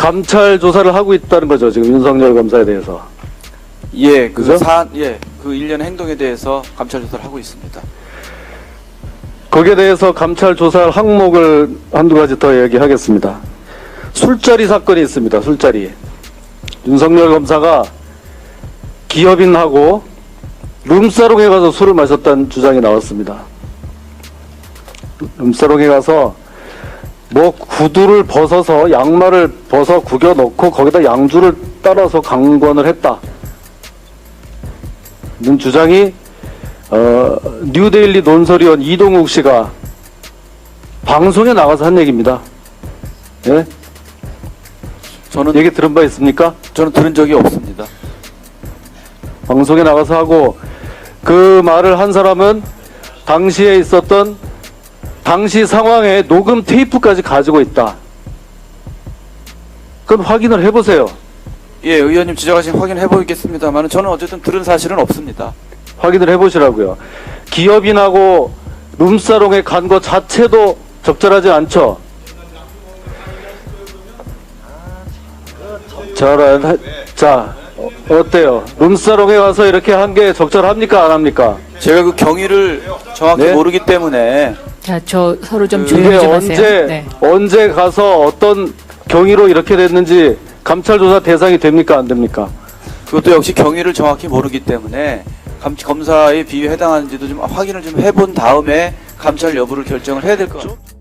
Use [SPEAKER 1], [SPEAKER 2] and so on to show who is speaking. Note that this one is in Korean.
[SPEAKER 1] 감찰 조사를 하고 있다는 거죠, 지금 윤석열 검사에 대해서.
[SPEAKER 2] 예,
[SPEAKER 1] 그죠?
[SPEAKER 2] 그 일련의 행동에 대해서 감찰 조사를 하고 있습니다.
[SPEAKER 1] 거기에 대해서 감찰 조사할 항목을 한두 가지 더 얘기하겠습니다. 술자리 사건이 있습니다. 술자리. 윤석열 검사가 기업인하고 룸사롱에 가서 술을 마셨다는 주장이 나왔습니다. 룸사롱에 가서 뭐 구두를 벗어서 양말을 벗어 구겨 넣고 거기다 양주를 따라서 강권을 했다. 는 주장이 뉴데일리 논설위원 이동욱 씨가 방송에 나가서 한 얘기입니다. 예?
[SPEAKER 2] 저는
[SPEAKER 1] 얘기 들은 바 있습니까?
[SPEAKER 2] 저는 들은 적이 없습니다.
[SPEAKER 1] 방송에 나가서 하고 그 말을 한 사람은 당시에 있었던 당시 상황의 녹음 테이프까지 가지고 있다. 그럼 확인을 해보세요.
[SPEAKER 2] 예, 의원님 지적하신 확인해 보겠습니다만 저는 어쨌든 들은 사실은 없습니다.
[SPEAKER 1] 확인을 해보시라고요. 기업인하고 룸사롱에 간 것 자체도 적절하지 않죠. 자, 어때요? 룸사롱에 가서 이렇게 한 게 적절합니까? 안 합니까?
[SPEAKER 2] 제가 그 경위를 정확히
[SPEAKER 1] 네?
[SPEAKER 2] 모르기 때문에
[SPEAKER 3] 자, 저 서로 좀
[SPEAKER 1] 이게
[SPEAKER 3] 조용히 좀 하세요.
[SPEAKER 1] 언제 가서 어떤 경위로 이렇게 됐는지 감찰 조사 대상이 됩니까? 안 됩니까?
[SPEAKER 2] 그것도 역시 경위를 정확히 모르기 때문에 검사의 비위에 해당하는지도 좀 확인을 좀 해본 다음에 감찰 여부를 결정을 해야 될 것 같습니다.